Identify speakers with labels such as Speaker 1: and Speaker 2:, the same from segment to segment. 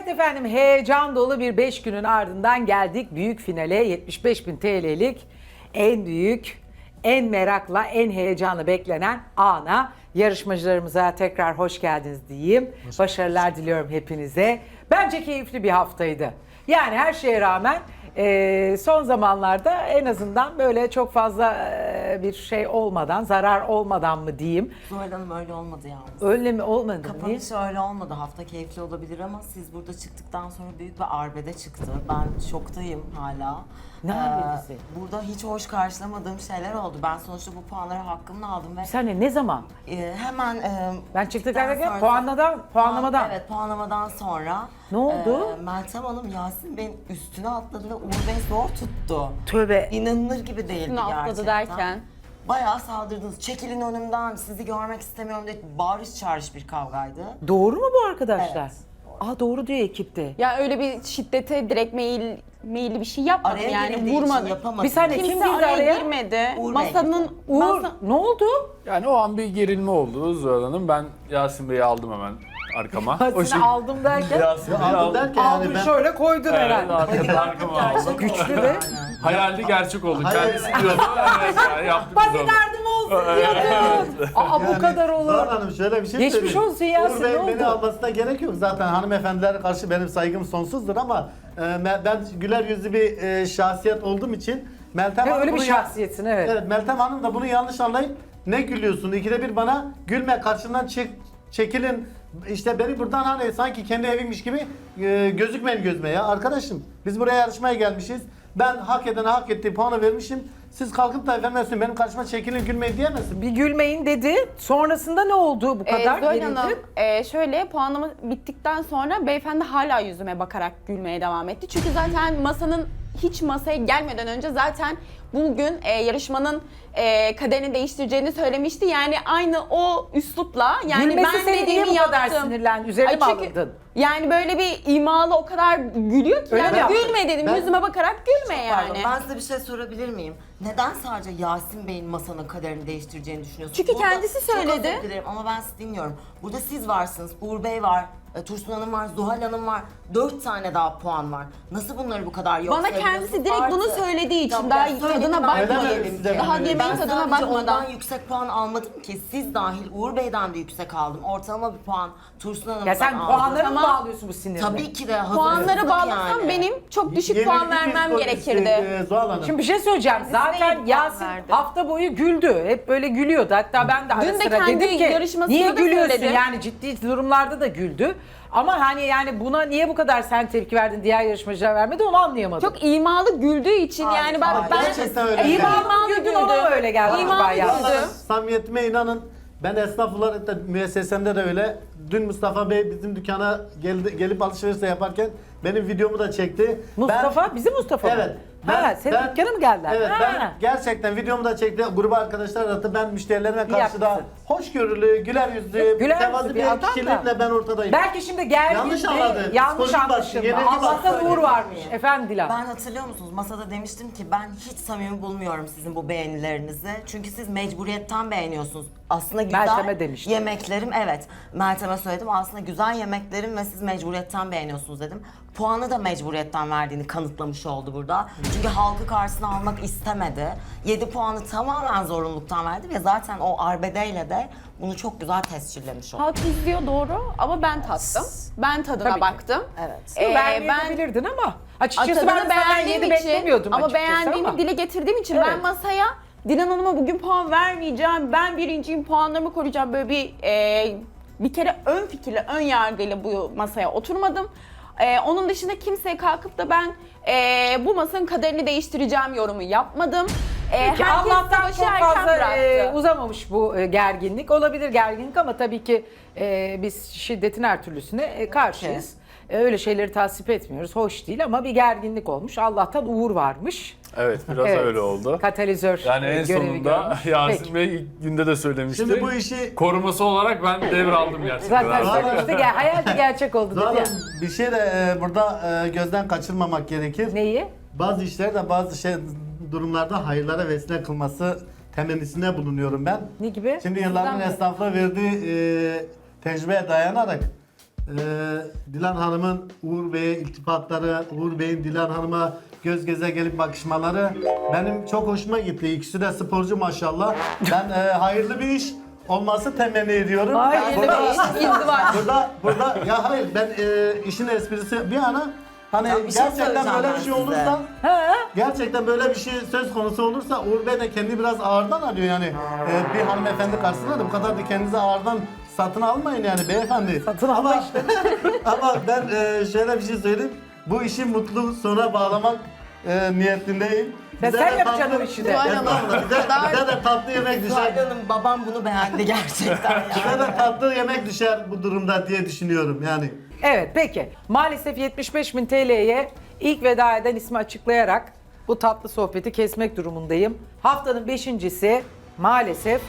Speaker 1: efendim, heyecan dolu bir 5 günün ardından geldik büyük finale. 75.000 TL'lik en büyük, en merakla, en heyecanla beklenen ana. Yarışmacılarımıza tekrar hoş geldiniz diyeyim. Başarılar diliyorum hepinize. Bence keyifli bir haftaydı. Yani her şeye rağmen son zamanlarda en azından böyle çok fazla bir şey olmadan, zarar olmadan mı diyeyim.
Speaker 2: Zuhal Hanım öyle olmadı yalnız.
Speaker 1: Öyle mi olmadı? Niye?
Speaker 2: Kapanış öyle olmadı. Hafta keyifli olabilir ama siz burada çıktıktan sonra büyük bir arbede çıktı. Ben şoktayım hala.
Speaker 1: Ne arbedesi?
Speaker 2: Burada hiç hoş karşılamadığım şeyler oldu. Ben sonuçta bu puanları hakkımla aldım ve
Speaker 1: Bir saniye, ne zaman?
Speaker 2: hemen
Speaker 1: Ben çıktıktan
Speaker 2: sonra-
Speaker 1: puanlamadan.
Speaker 2: Evet, puanlamadan sonra
Speaker 1: Ne oldu?
Speaker 2: Meltem Hanım Yasin Bey'in üstüne atladı ve Uğur Bey zor tuttu.
Speaker 1: Tövbe.
Speaker 2: İnanılır gibi değildi
Speaker 3: Üstüne atladı
Speaker 2: gerçekten.
Speaker 3: derken?
Speaker 2: Bayağı saldırdınız. Çekilin önümden, sizi görmek istemiyorum diye bağırış çağırış bir kavgaydı.
Speaker 1: Doğru mu bu arkadaşlar?
Speaker 2: Evet.
Speaker 1: Aa, doğru diyor ekipte.
Speaker 3: Ya öyle bir şiddete direkt meyilli bir şey yapmadım
Speaker 2: Araya
Speaker 3: yani
Speaker 2: girildiği için
Speaker 3: vurmadım.
Speaker 2: yapamadım.
Speaker 1: Bir saniye,
Speaker 3: Kimse
Speaker 1: kim girdi
Speaker 3: araya
Speaker 1: araya?
Speaker 3: girmedi.
Speaker 2: Uğur Bey
Speaker 3: Masanın
Speaker 1: Uğur, ne oldu?
Speaker 4: Yani o an bir gerilme oldu Zuhal Hanım. Ben Yasin Bey'i aldım hemen arkama.
Speaker 1: Seni aldım derken
Speaker 4: Yasin Bey'i
Speaker 5: Aldım
Speaker 4: aldım.
Speaker 5: derken
Speaker 1: aldın
Speaker 5: yani ben...
Speaker 1: şöyle koydun
Speaker 4: Evet,
Speaker 1: herhalde.
Speaker 4: arkama aldım.
Speaker 1: Güçlü de.
Speaker 4: Hayaldi gerçek oldu.
Speaker 5: Hayır.
Speaker 4: Kendisi diyordu. Evet, yani yaptık
Speaker 1: Bana
Speaker 4: biz onu.
Speaker 1: derdim olsun diyordun. Aa, bu kadar olur.
Speaker 5: Zuhal Hanım şöyle bir şey
Speaker 1: Geçmiş
Speaker 5: söyleyeyim.
Speaker 1: olsun Yasin,
Speaker 5: Uğur Bey
Speaker 1: ne oldu?
Speaker 5: beni almasına gerek yok. Zaten hanımefendilere karşı benim saygım sonsuzdur ama ben güler yüzlü bir şahsiyet olduğum için Meltem
Speaker 1: Ve
Speaker 5: Hanım
Speaker 1: öyle bir
Speaker 5: bunu
Speaker 1: şahsiyetsin, evet.
Speaker 5: Evet, Meltem Hanım da bunu yanlış anlayıp ne gülüyorsun? İkide bir bana gülme, karşımdan çekilin. İşte beni buradan hani sanki kendi evimmiş gibi gözükmeyin gözüme ya. Arkadaşım biz buraya yarışmaya gelmişiz. Ben hak edene hak ettiği puanı vermişim. Siz kalkıp da efendim benim karşıma çekilin gülmeyin diyemezsin.
Speaker 1: Bir gülmeyin dedi. Sonrasında ne oldu bu kadar?
Speaker 3: Zuhal
Speaker 1: Gerildin.
Speaker 3: Hanım, şöyle puanlama bittikten sonra beyefendi hala yüzüme bakarak gülmeye devam etti. Çünkü zaten hiç masaya gelmeden önce zaten bugün yarışmanın kaderini değiştireceğini söylemişti. Yani aynı o üslupla yani
Speaker 1: Gülmesi
Speaker 3: ben
Speaker 1: seni niye
Speaker 3: dediğimi
Speaker 1: bu kadar
Speaker 3: yaptım.
Speaker 1: sinirlendi? Üzerine mi
Speaker 3: çünkü
Speaker 1: alındın?
Speaker 3: Yani böyle bir imalı o kadar gülüyor ki
Speaker 1: Öyle mi
Speaker 3: yani
Speaker 1: yaptın?
Speaker 3: gülme dedim
Speaker 5: Ben-
Speaker 3: yüzüme bakarak gülme
Speaker 2: Pardon,
Speaker 3: yani.
Speaker 2: ben size bir şey sorabilir miyim? Neden sadece Yasin Bey'in masanın kaderini değiştireceğini düşünüyorsunuz?
Speaker 3: Çünkü kendisi
Speaker 2: Çok
Speaker 3: söyledi.
Speaker 2: özür dilerim ama ben sizi dinliyorum. Burada siz varsınız, Uğur Bey var, Tursun Hanım var, Zuhal Hanım var. 4 tane daha puan var. Nasıl bunları bu kadar yok
Speaker 3: Bana
Speaker 2: sayıyorsunuz?
Speaker 3: kendisi direkt bunu söylediği için
Speaker 2: Tamam,
Speaker 3: daha
Speaker 2: ya söyledim,
Speaker 3: tadına
Speaker 2: ben
Speaker 3: bakmadım.
Speaker 2: söyledim.
Speaker 5: Size
Speaker 3: Daha
Speaker 5: ben
Speaker 3: yemeğin
Speaker 2: Ben
Speaker 3: tadına
Speaker 2: sadece
Speaker 3: bakmadan.
Speaker 2: ondan yüksek puan almadım ki. Siz dahil Uğur Bey'den de yüksek aldım. Ortalama bir puan Tursun Hanım'dan
Speaker 1: Ya sen
Speaker 2: aldım.
Speaker 1: puanları mı
Speaker 3: Tamam.
Speaker 1: bağlıyorsun bu sinirine?
Speaker 2: Tabii ki de hazır.
Speaker 3: Puanları
Speaker 2: hızlık
Speaker 3: bağlasam
Speaker 2: yani.
Speaker 3: benim çok düşük
Speaker 5: Yenilgi
Speaker 3: puan vermem
Speaker 5: psikolojisi,
Speaker 3: gerekirdi.
Speaker 5: Zuhal Hanım.
Speaker 1: Şimdi bir şey söyleyeceğim. Zaten
Speaker 3: puan
Speaker 1: Yasin
Speaker 3: verdi.
Speaker 1: hafta boyu güldü. Hep böyle gülüyordu. Hatta ben de ara
Speaker 3: Dün de
Speaker 1: sıra
Speaker 3: kendi
Speaker 1: dedim ki
Speaker 3: yarışmasında
Speaker 1: niye
Speaker 3: da
Speaker 1: gülüyorsun?
Speaker 3: söyledi.
Speaker 1: Yani ciddi durumlarda da güldü. Ama hani yani buna niye bu kadar sen tepki verdin, diğer yarışmacılar vermedi, onu anlayamadım.
Speaker 3: Çok imalı güldüğü için
Speaker 2: Hayır,
Speaker 3: yani bak
Speaker 2: hayır,
Speaker 3: ben
Speaker 5: gerçekten öyle.
Speaker 1: İyi
Speaker 5: Yani.
Speaker 1: bağlı güldün, ona mı öyle geldi
Speaker 3: İmalı
Speaker 1: acaba ya?
Speaker 3: güldü.
Speaker 5: Samimiyetime inanın. Ben esnaf olarak da müessesemde de öyle. Dün Mustafa Bey bizim dükkana gelip alışveriş de yaparken benim videomu da çekti.
Speaker 1: Mustafa, bizim Mustafa mı?
Speaker 5: Evet.
Speaker 1: Senin dükkana mı geldiler?
Speaker 5: Evet,
Speaker 1: Ha.
Speaker 5: ben gerçekten videomu da çekti. Gruba arkadaşlar aradı. Ben müşterilerime
Speaker 1: İyi
Speaker 5: karşı da
Speaker 1: yapmışsın.
Speaker 5: hoşgörülü, güler yüzlü,
Speaker 1: Güler
Speaker 5: mütevazı
Speaker 1: yüzlü bir
Speaker 5: bir
Speaker 1: adam da.
Speaker 5: kişilikle ben ortadayım.
Speaker 1: Belki şimdi gergindi,
Speaker 5: Yanlış anladı.
Speaker 1: yanlış
Speaker 5: Psikolojik
Speaker 1: anlaşılma.
Speaker 5: baskı, yenilgi
Speaker 1: Allah'tan
Speaker 5: baskı.
Speaker 1: Uğur varmış. Efendim Dilan.
Speaker 2: Ben hatırlıyor musunuz? Masada demiştim ki ben hiç samimi bulmuyorum sizin bu beğenilerinizi. Çünkü siz mecburiyetten beğeniyorsunuz. Aslında güzel
Speaker 1: Meltem'e demiştim.
Speaker 2: yemeklerim, evet. Meltem'e söyledim. Aslında güzel yemeklerim ve siz mecburiyetten beğeniyorsunuz dedim. Puanı da mecburiyetten verdiğini kanıtlamış oldu burada. Çünkü halkı karşısına almak istemedi. 7 puanı tamamen zorunluluktan verdi ve zaten o arbedeyle de bunu çok güzel tescillemiş oldu.
Speaker 3: halk izliyor doğru ama ben tattım. Ben tadına
Speaker 1: Tabii ki.
Speaker 3: baktım.
Speaker 2: Evet.
Speaker 1: Beğenmeyebilirdin ama açıkçası
Speaker 3: Tadını
Speaker 1: ben de senden
Speaker 3: beğendiğim
Speaker 1: 7
Speaker 3: için
Speaker 1: beklemiyordum
Speaker 3: ama
Speaker 1: açıkçası
Speaker 3: beğendiğimi
Speaker 1: ama.
Speaker 3: dile getirdiğim için
Speaker 1: Evet.
Speaker 3: ben masaya Dilan Hanım'a bugün puan vermeyeceğim. Ben birinciyim, puanlarımı koruyacağım. Böyle bir kere ön fikirle, ön yargıyla bu masaya oturmadım. Onun dışında kimseye kalkıp da ben bu masanın kaderini değiştireceğim yorumu yapmadım.
Speaker 1: Ki
Speaker 3: Herkes
Speaker 1: Allah'tan
Speaker 3: savaşı
Speaker 1: çok
Speaker 3: erken
Speaker 1: fazla
Speaker 3: bıraktı.
Speaker 1: uzamamış bu gerginlik. Olabilir gerginlik ama tabii ki biz şiddetin her türlüsüne karşıyız. Öyle şeyleri tasvip etmiyoruz. Hoş değil ama bir gerginlik olmuş. Allah'tan Uğur varmış.
Speaker 4: Evet, biraz
Speaker 1: Evet.
Speaker 4: öyle oldu.
Speaker 1: Katalizör
Speaker 4: Yani en
Speaker 1: görevi
Speaker 4: sonunda
Speaker 1: görmüş.
Speaker 4: Yasin
Speaker 1: Peki.
Speaker 4: Bey ilk günde de söylemişti.
Speaker 5: Şimdi bu işi
Speaker 4: Koruması olarak ben devraldım gerçekten.
Speaker 1: Zaten söylemişti. Hayal de gerçek oldu
Speaker 5: Zuhal
Speaker 1: dedi ya.
Speaker 5: Hanım, bir şey de burada gözden kaçırmamak gerekir.
Speaker 1: Neyi?
Speaker 5: Bazı işler de bazı durumlarda hayırlara vesile kılması temennisinde bulunuyorum ben.
Speaker 1: Ne gibi?
Speaker 5: Şimdi yılların
Speaker 3: Sizden mi?
Speaker 5: esnafla verdiği tecrübeye dayanarak Dilan Hanım'ın Uğur Bey'e iltifatları, Uğur Bey'in Dilan Hanım'a göz göze gelip bakışmaları benim çok hoşuma gitti. İkisi de sporcu maşallah. Ben hayırlı bir iş olması temenni ediyorum.
Speaker 1: Hayırlı bir iş, izdivaç.
Speaker 5: Burada ya hayır ben işin esprisi bir yana hani
Speaker 2: Ya bir şey
Speaker 5: gerçekten
Speaker 2: söyleyeceğim
Speaker 5: böyle
Speaker 2: ben
Speaker 5: bir şey
Speaker 2: size.
Speaker 5: olursa gerçekten böyle bir şey söz konusu olursa Uğur Bey de kendi biraz ağırdan alıyor yani. Bir hanımefendi karşısında da bu kadar da kendinizi ağırdan satın almayın yani beyefendi.
Speaker 1: Satın alma işte.
Speaker 5: Ama ben şöyle bir şey söyleyeyim. Bu işi mutlu sona bağlamak niyetindeyim.
Speaker 1: Ya sen yapacaksın o işi de.
Speaker 5: Estağfurullah. Bize de tatlı yemek düşer.
Speaker 2: Zuhal Hanım babam bunu beğendi gerçekten
Speaker 5: Bize
Speaker 2: yani.
Speaker 5: de tatlı yemek düşer bu durumda diye düşünüyorum yani.
Speaker 1: Evet peki. Maalesef 75.000 TL'ye ilk veda eden ismi açıklayarak bu tatlı sohbeti kesmek durumundayım. Haftanın 5.'si maalesef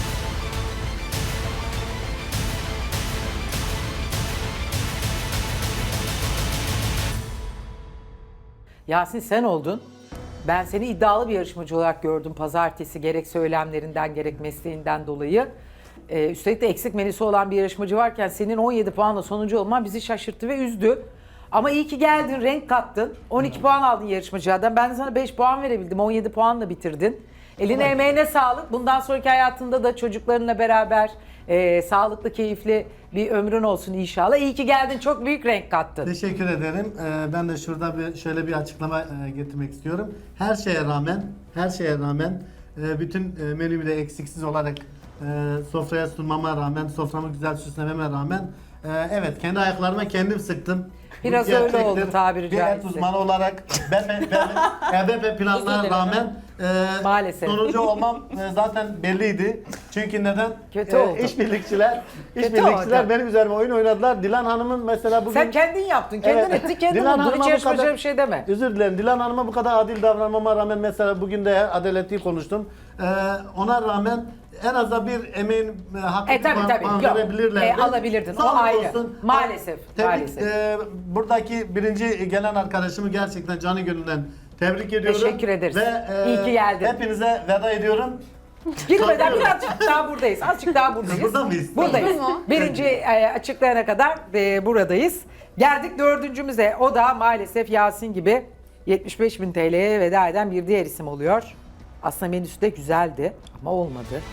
Speaker 1: Yasin sen oldun. Ben seni iddialı bir yarışmacı olarak gördüm pazartesi gerek söylemlerinden gerek mesleğinden dolayı. Üstelik de eksik menüsü olan bir yarışmacı varken senin 17 puanla sonuncu olman bizi şaşırttı ve üzdü. Ama iyi ki geldin, renk kattın. 12 puan aldın yarışmacılardan. Ben de sana 5 puan verebildim. 17 puanla bitirdin. Eline emeğine sağlık. Bundan sonraki hayatında da çocuklarınla beraber sağlıklı, keyifli bir ömrün olsun inşallah. İyi ki geldin. Çok büyük renk kattın.
Speaker 5: Teşekkür ederim. Ben de şurada şöyle bir açıklama getirmek istiyorum. Her şeye rağmen bütün menümü de eksiksiz olarak sofraya sunmama rağmen, soframı güzel süslememe rağmen evet kendi ayaklarıma kendim sıktım.
Speaker 1: Biraz
Speaker 5: Bu
Speaker 1: öyle
Speaker 5: gerçektir.
Speaker 1: oldu tabiri
Speaker 5: Bir et
Speaker 1: caizse.
Speaker 5: uzmanı olarak EBP planlarına rağmen
Speaker 1: Maalesef.
Speaker 5: sonuncu olmam zaten belliydi. Çünkü neden?
Speaker 1: Kötü oldu.
Speaker 5: İşbirlikçiler
Speaker 1: oldu.
Speaker 5: benim üzerime oyun oynadılar. Dilan Hanım'ın mesela bugün...
Speaker 1: Sen kendin yaptın, kendin
Speaker 5: Evet.
Speaker 1: ettin, kendin
Speaker 5: Dilan
Speaker 1: buldun.
Speaker 5: Hanım'a
Speaker 1: Hiç
Speaker 5: bu
Speaker 1: yarışmacıya
Speaker 5: kadar-
Speaker 1: bir şey deme.
Speaker 5: Özür dilerim. Dilan Hanım'a bu kadar adil davranmama rağmen mesela bugün de adaletli konuştum. Ona rağmen en azından bir emeğin hakkını
Speaker 1: Tabii.
Speaker 5: puan
Speaker 1: Yok.
Speaker 5: verebilirlerdi.
Speaker 1: Alabilirdin. O
Speaker 5: Sağ
Speaker 1: ayrı.
Speaker 5: olsun.
Speaker 1: Maalesef,
Speaker 5: Tebrik,
Speaker 1: maalesef.
Speaker 5: buradaki birinci gelen arkadaşımı gerçekten canı gönülden tebrik ediyorum.
Speaker 1: Teşekkür ederiz.
Speaker 5: Ve
Speaker 1: İyi ki geldin.
Speaker 5: hepinize veda ediyorum.
Speaker 1: Girmeden
Speaker 5: Kalkıyorum.
Speaker 1: birazcık daha buradayız. Azıcık daha buradayız.
Speaker 5: Burada mıyız?
Speaker 1: Buradayız.
Speaker 3: Tamam.
Speaker 1: Birinci açıklayana kadar buradayız. Geldik dördüncümüze. O da maalesef Yasin gibi 75.000 TL'ye veda eden bir diğer isim oluyor. Aslında menüsü de güzeldi ama olmadı.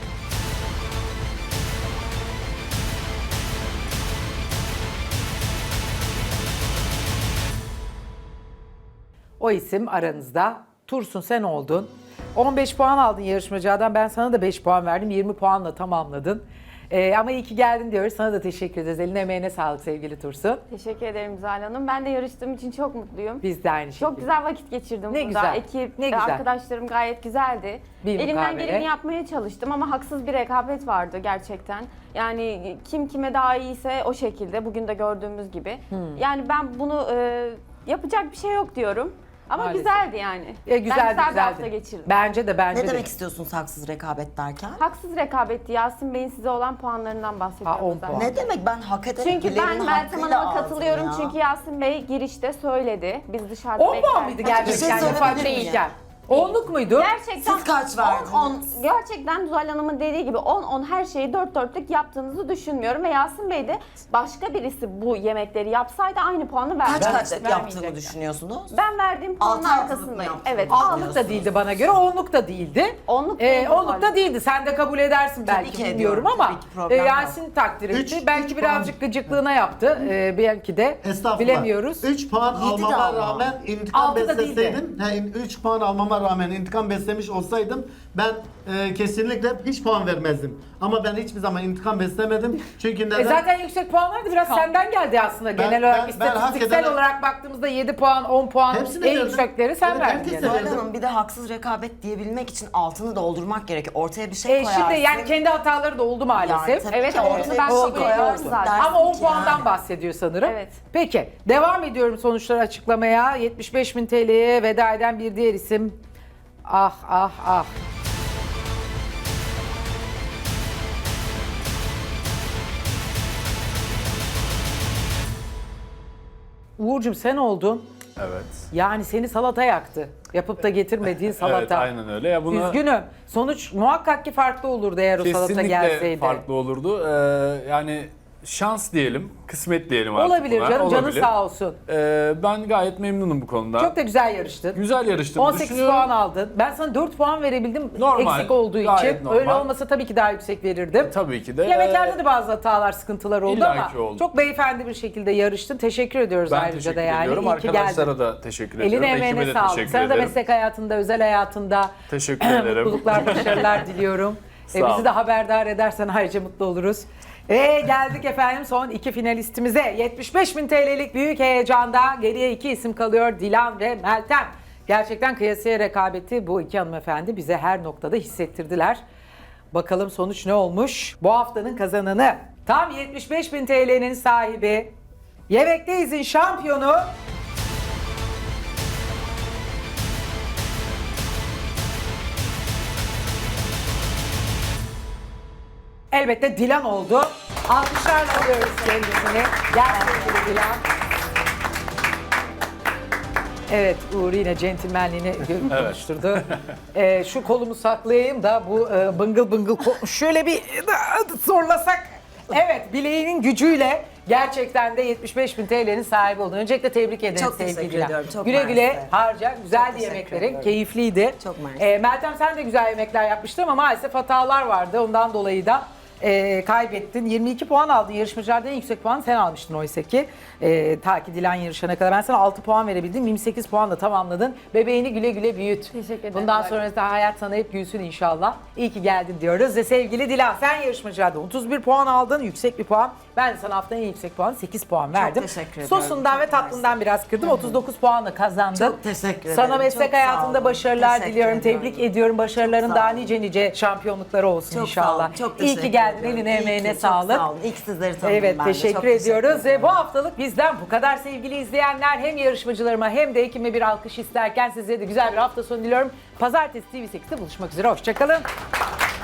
Speaker 1: O isim aranızda. Tursun sen oldun. 15 puan aldın yarışmacıdan. Ben sana da 5 puan verdim. 20 puanla tamamladın. Ama iyi ki geldin diyoruz. Sana da teşekkür ederiz. Eline emeğine sağlık sevgili Tursun.
Speaker 6: Teşekkür ederim Zuhal Hanım. Ben de yarıştığım için çok mutluyum.
Speaker 1: Biz de aynı şekilde.
Speaker 6: Çok güzel vakit geçirdim
Speaker 1: Ne
Speaker 6: burada.
Speaker 1: güzel,
Speaker 6: Ekip,
Speaker 1: ne güzel.
Speaker 6: arkadaşlarım gayet güzeldi.
Speaker 1: Bir
Speaker 6: Elimden
Speaker 1: mukabele.
Speaker 6: geleni yapmaya çalıştım ama haksız bir rekabet vardı gerçekten. Yani kim kime daha iyiyse o şekilde bugün de gördüğümüz gibi. Yani ben bunu yapacak bir şey yok diyorum. Ama
Speaker 1: Maalesef.
Speaker 6: güzeldi yani.
Speaker 1: Güzeldi,
Speaker 6: ben güzel bir
Speaker 1: güzeldi.
Speaker 6: hafta geçirdim.
Speaker 1: Bence de bence
Speaker 2: Ne
Speaker 1: de.
Speaker 2: demek istiyorsunuz haksız rekabet derken?
Speaker 6: Haksız rekabetti. Yasin Bey'in size olan puanlarından bahsediyorum.
Speaker 1: 10
Speaker 6: zaten.
Speaker 1: puan.
Speaker 2: Ne demek ben hak ederek
Speaker 6: Çünkü
Speaker 2: birilerinin
Speaker 6: ben Meltem
Speaker 2: hakkıyla
Speaker 6: Hanım'a
Speaker 2: aldım
Speaker 6: katılıyorum
Speaker 2: ya.
Speaker 6: çünkü Yasin Bey girişte söyledi. Biz dışarıda
Speaker 1: 10 puan mıydı
Speaker 2: Bir şey
Speaker 1: gerçekten?
Speaker 2: söyleyebilir
Speaker 1: Fark
Speaker 2: miyim?
Speaker 1: değilken. 10'luk muydu?
Speaker 6: Gerçekten
Speaker 2: Siz kaç verdiniz?
Speaker 6: 10, gerçekten Zuhal Hanım'ın dediği gibi 10 her şeyi dört dörtlük yaptığınızı düşünmüyorum ve Yasin Bey de başka birisi bu yemekleri yapsaydı aynı puanı
Speaker 2: Kaç
Speaker 6: vermezdi.
Speaker 2: kaçlık yaptığını düşünüyorsunuz?
Speaker 6: Ben verdiğim puanın
Speaker 2: Altı altılık mı
Speaker 6: arkasındayım.
Speaker 2: yaptınız?
Speaker 6: Evet.
Speaker 1: Altlık da değildi bana göre, 10'luk da değildi.
Speaker 6: 10'luk değil
Speaker 1: 10'luk da değildi. Sen de kabul edersin belki
Speaker 2: ki
Speaker 1: bilmiyorum
Speaker 2: ediyorum,
Speaker 1: ama
Speaker 2: tabii ki problem yok.
Speaker 1: Yasin takdir etti.
Speaker 5: Üç
Speaker 1: Belki birazcık gıcıklığına yaptı. Belki de
Speaker 5: Estağfurullah.
Speaker 1: bilemiyoruz.
Speaker 5: 3 puan
Speaker 2: Yedi de
Speaker 5: almama
Speaker 2: ama.
Speaker 5: rağmen intikam
Speaker 1: Altı da
Speaker 5: besleseydim, 3 puan almama rağmen intikam beslemiş olsaydım ben kesinlikle hiç puan vermezdim. Ama ben hiçbir zaman intikam beslemedim. Çünkü neden?
Speaker 1: Zaten yüksek puanlar da biraz senden geldi aslında. Genel olarak
Speaker 5: ben hak
Speaker 1: istatistiksel
Speaker 5: ederek-
Speaker 1: olarak baktığımızda 7 puan, 10 puan
Speaker 5: Hepsini
Speaker 1: en
Speaker 5: verdim.
Speaker 1: yüksekleri sen
Speaker 5: Evet,
Speaker 1: verdin.
Speaker 5: herkes
Speaker 1: yani.
Speaker 5: de
Speaker 2: Zuhal
Speaker 5: verdim.
Speaker 2: Hanım bir de haksız rekabet diyebilmek için altını doldurmak gerekiyor. Ortaya bir şey koyarsın.
Speaker 1: Şimdi yani kendi hataları da oldu maalesef.
Speaker 2: tabii
Speaker 6: Evet,
Speaker 2: ki
Speaker 6: onu
Speaker 2: ortaya
Speaker 6: ben
Speaker 2: bir şey
Speaker 6: kabul ediyorum
Speaker 2: koyarsın.
Speaker 6: zaten.
Speaker 2: Dersin
Speaker 1: Ama 10
Speaker 2: ki
Speaker 1: puandan
Speaker 2: yani.
Speaker 1: bahsediyor sanırım.
Speaker 6: Evet.
Speaker 1: Peki devam ediyorum sonuçları açıklamaya. 75.000 TL'ye veda eden bir diğer isim. Ah ah ah. Uğur'cum sen oldun.
Speaker 4: Evet.
Speaker 1: Yani seni salata yaktı. Yapıp da getirmediğin salata.
Speaker 4: Evet aynen öyle. Ya bunu
Speaker 1: Üzgünüm. Sonuç muhakkak ki farklı olurdu eğer o salata
Speaker 4: kesinlikle
Speaker 1: gelseydi.
Speaker 4: farklı olurdu. Yani şans diyelim, kısmet diyelim artık
Speaker 1: Olabilir
Speaker 4: buna.
Speaker 1: canım, canın
Speaker 4: Olabilir.
Speaker 1: sağ olsun.
Speaker 4: Ben gayet memnunum bu konuda.
Speaker 1: Çok da güzel yarıştın.
Speaker 4: güzel yarıştım
Speaker 1: 18
Speaker 4: düşünüyorum.
Speaker 1: puan aldın. Ben sana 4 puan verebildim
Speaker 4: Normal,
Speaker 1: eksik olduğu
Speaker 4: gayet
Speaker 1: için.
Speaker 4: normal.
Speaker 1: Öyle olmasa tabii ki daha yüksek verirdim.
Speaker 4: Tabii ki de.
Speaker 1: Yemeklerde de bazı hatalar, sıkıntılar oldu
Speaker 4: İlla
Speaker 1: ama
Speaker 4: ki oldu.
Speaker 1: çok beyefendi bir şekilde yarıştın. Teşekkür ediyoruz
Speaker 4: Ben
Speaker 1: ayrıca
Speaker 4: teşekkür
Speaker 1: da yani.
Speaker 4: ediyorum.
Speaker 1: İyi ki geldin.
Speaker 4: Arkadaşlara da teşekkür ediyorum.
Speaker 1: Eline
Speaker 4: Ekibe
Speaker 1: emeğine
Speaker 4: de
Speaker 1: sağlık.
Speaker 4: teşekkür
Speaker 1: Sana da
Speaker 4: ederim.
Speaker 1: meslek hayatında, özel hayatında
Speaker 4: Teşekkür ederim.
Speaker 1: mutluluklar, başarılar diliyorum.
Speaker 4: Sağ
Speaker 1: Bizi
Speaker 4: ol.
Speaker 1: de haberdar edersen ayrıca mutlu oluruz. Geldik efendim son 2 finalistimize. 75.000 TL'lik büyük heyecanda geriye 2 isim kalıyor. Dilan ve Meltem. Gerçekten kıyasıya rekabeti bu iki hanımefendi bize her noktada hissettirdiler. Bakalım sonuç ne olmuş? Bu haftanın kazananı, tam 75.000 TL'nin sahibi, Yemekteyiz'in şampiyonu elbette Dilan oldu. Alkışlarla alıyoruz kendisini. Gel sevgili Dilan. Evet, Uğur yine centilmenliğini konuşturdu. Şu kolumu saklayayım da bu bıngıl bıngıl şöyle bir zorlasak. Evet, bileğinin gücüyle gerçekten de 75.000 TL'nin sahibi oldun. Öncelikle tebrik ederim
Speaker 2: Çok
Speaker 1: sevgili
Speaker 2: teşekkür
Speaker 1: Dilan.
Speaker 2: ediyorum, çok
Speaker 1: Güle güle
Speaker 2: mersi.
Speaker 1: harca. Güzeldi
Speaker 2: teşekkür
Speaker 1: yemeklerin,
Speaker 2: ederim.
Speaker 1: keyifliydi.
Speaker 2: Çok mersi.
Speaker 1: Meltem sen de güzel yemekler yapmıştın ama maalesef hatalar vardı. Ondan dolayı da kaybettin. 22 puan aldın. Yarışmacılardan en yüksek puanı sen almıştın oysa ki. Ta ki Dilan yarışana kadar. Ben sana 6 puan verebildim. 28 puanla tamamladın. Bebeğini güle güle büyüt.
Speaker 6: Teşekkür ederim.
Speaker 1: Bundan sonra da hayat sana hep gülsün inşallah. İyi ki geldin diyoruz. Ve sevgili Dilan, sen yarışmacılardan 31 puan aldın. Yüksek bir puan. Ben de sana haftanın en yüksek puanı 8 puan verdim.
Speaker 2: teşekkür ediyorum.
Speaker 1: Sosundan
Speaker 2: Çok
Speaker 1: ve tatlından biraz kırdım. 39 puanla kazandın.
Speaker 2: Çok teşekkür ederim.
Speaker 1: Sana meslek
Speaker 2: Çok sağ
Speaker 1: hayatında
Speaker 2: olun.
Speaker 1: başarılar
Speaker 2: Teşekkür
Speaker 1: diliyorum.
Speaker 2: ediyorum.
Speaker 1: Tebrik ediyorum. Başarıların
Speaker 2: Çok
Speaker 1: daha
Speaker 2: sağ olun.
Speaker 1: nice şampiyonlukları olsun
Speaker 2: Çok
Speaker 1: inşallah.
Speaker 2: sağ olun. Çok
Speaker 1: İyi
Speaker 2: teşekkür
Speaker 1: ki geldin.
Speaker 2: ediyorum.
Speaker 1: Eline
Speaker 2: İyi ki,
Speaker 1: emeğine
Speaker 2: çok
Speaker 1: sağlık.
Speaker 2: Sağ olun. İlk sizleri tanıdım
Speaker 1: Evet,
Speaker 2: ben de.
Speaker 1: teşekkür
Speaker 2: Çok
Speaker 1: ediyoruz. Ve
Speaker 2: ederim.
Speaker 1: bu haftalık bizden bu kadar sevgili izleyenler. Hem yarışmacılarıma hem de ekime bir alkış isterken size de güzel bir hafta sonu diliyorum. Pazartesi TV8'de buluşmak üzere. Hoşçakalın.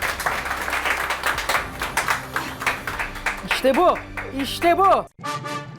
Speaker 1: İşte bu. İşte bu.